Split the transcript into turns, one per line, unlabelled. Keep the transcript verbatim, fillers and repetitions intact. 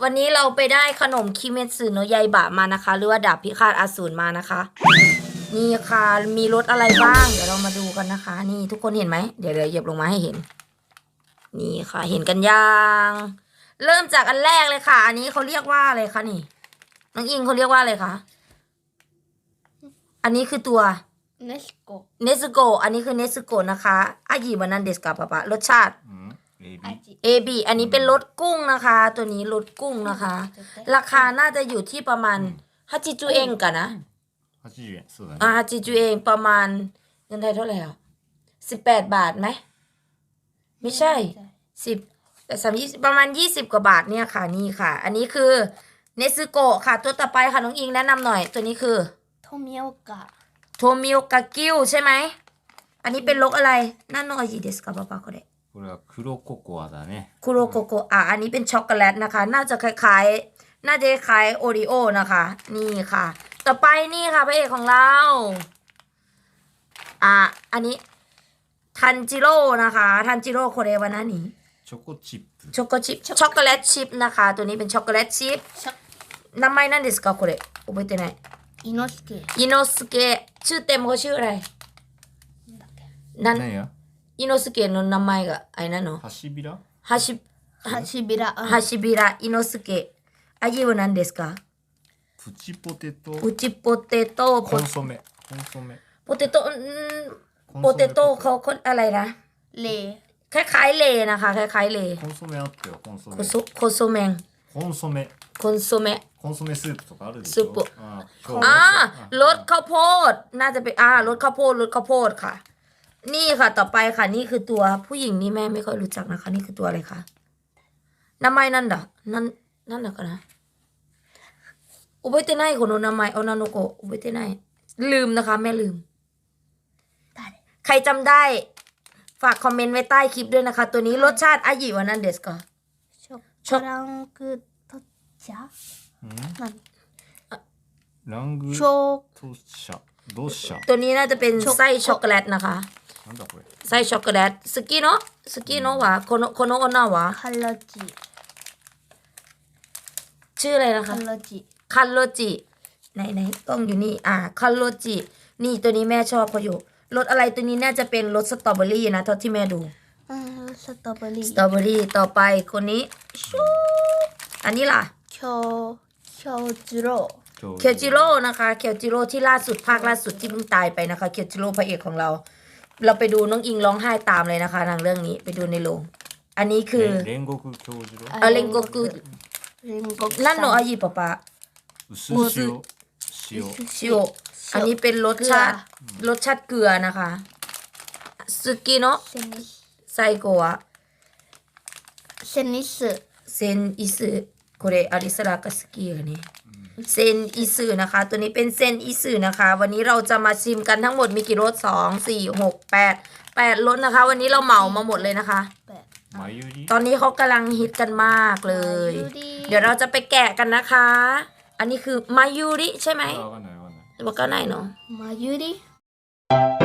วันนี้เราไปได้ขนมคิเมสึโนะยาอิบะมานะคะ หรือว่าดาบพิฆาตอสูรมานะคะ นี่ค่ะมีรสอะไรบ้าง เดี๋ยวเรามาดูกันนะคะ นี่ทุกคนเห็นไหมเดี๋ยวเดี๋ยวเหยียบลงมาให้เห็น นี่ค่ะเห็นกันยังเริ่มจากอันแรกเลยค่ะ อันนี้เขาเรียกว่าอะไรคะนี่น้องอิงเขาเรียกว่าอะไรคะอันนี้คือตัว
เนสโก
เนสโกอันนี้คือเนสโกนะคะอายิบานันเดสกาปะปะรสชาติเอบีอันนี้เป็นรสกุ้งนะคะ ตัวนี้รสกุ้งนะคะ ราคาน่าจะอยู่ที่ประมาณฮัจิจูเองกันนะ
はちじゅうえんそうだ
อ่า
ね
ฮัจิจูเองประมาณเงินไทยเท่าไหร่อ่ะสิบแปดบาทไหมไม่ใช่สิบแต่สามยี่สิบประมาณยี่สิบกว่าบาทเนี่ยค่ะนี่ค่ะ อันนี้คือเนซึโกะค่ะ ตัวต่อไปค่ะน้องอิงแนะนำหน่อย ตัวนี้คือ
โทมิโอกะ
โทมิโอกะกิวใช่ไหมอันนี้เป็นรสอะไรนั่นโนอาจิเดสกาปะปะก็ได้
これは黒ココアだね
คุโรโกโกะอ่ะอันนี้เป็นช็อกโกแลตนะคะ น่าจะคล้ายๆ น่าจะคล้ายโอริโอนะคะ นี่ค่ะ ต่อไปนี่ค่ะพระเอกของเรา อ่ะอันนี้ทันจิโร่นะคะทันจิโร่โคเรวานานี่
チョコチップ
ช็อกโกชิปช็อกโกแลตชิพนะคะ ตัวนี้เป็นช็อกโกแลตชิพ名前なんですかこれ覚えてない
อิโนสเกะ
อิโนสเกะชื่อเต็มเขาชื่ออะไรนั่น
何や
อิโนสเกะの名前があれなの
ハシビラ
ハシ
ฮาชิบิระ
ハシビライノスケ味は何ですか
プチポテト
プチポテト
コンソメコンソメ
โปเตโต้โปเตโต้เขาคนอะไรนะ
เล
คล้ายๆเลนะคะคล้ายๆเล
コンソメあったよコンソメ
โคโซโคโซเมง
コンソメ
คอนโซเมะ
コンソメスープとかあるでしょ
スープ
あ
อ่ารสข้าวโพดน่าจะเป็นอ่ารสข้าวโพดรสข้าวโพดค่ะ นี่ค่ะต่อไปค่ะนี่คือตัวผู้หญิงนี่แม่ไม่ค่อยรู้จักนะคะ นี่คือตัวอะไรคะ名前なんだなんなんだかな覚えてないこの名前女の子覚えてないลืมนะคะแม่ลืมใครจำได้ฝากคอมเมนต์ไว้ใต้คลิปด้วยนะคะ ตัวนี้รสชาติอายิวานันเดสก็
ช็อกโกแลตトチャ
ラング
โช
トシャドシャ
ตัวนี้น่าจะเป็นไส้ช็อกโกแลตนะคะ
なんだこれ
ไส้ช็อกโกแลตสกิโนะสกิโนะวะโคโนะโคโนะโอนะวะ
คาราจิ
ชื่ออะไรนะคะ
คาราจิ
คันโรจิไหนไหนกล้องอยู่นี่อ่าคันโรจินี่ตัวนี้แม่ชอบเขาอยู่รสอะไรตัวนี้น่าจะเป็นรสสตรอเบอรี่นะเท่าที่แม่ดู
อืมสตรอเบอรี่
สตรอเบอรี่ต่อไปคนนี้ชูอันนี้ล่ะ
โชโชจิโร่
เคียวจิโร่นะคะเคียวจิโร่ที่ล่าสุดภาคล่าสุดที่เพิ่งตายไปนะคะเคียวจิโร่พระเอกของเรา เราไปดูน้องอิงร้องไห้ตามเลยนะคะทางเรื่องนี้ไปดูในโรงอันนี้คือ
煉獄教授郎
อาเรนโกกุ
เรนโกกุ
นั่นโนอายิปะปะ
薄塩塩
ชิโออันนี้เป็นรสชาติรสชาติเกลือนะคะสุกิโนะ
เซนิส
ไซโกะ
เซนิส
เซนอิสึこれアリスラが好きよねเซนอิสึนะคะ ตัวนี้เป็นเซนอิสึนะคะ วันนี้เราจะมาชิมกันทั้งหมดมีกี่รสสองสี่หกแปดแปดรสนะคะ วันนี้เราเหมามาหมดเลยนะคะ
แปด
マユリ
ตอนนี้เขากำลังฮิตกันมากเลย
มายูริ
เดี๋ยวเราจะไปแกะกันนะคะ อันนี้คือมายูริใช่ไหม
あわかんないわかんない
บอกก็ไหนเนาะ
มายูริ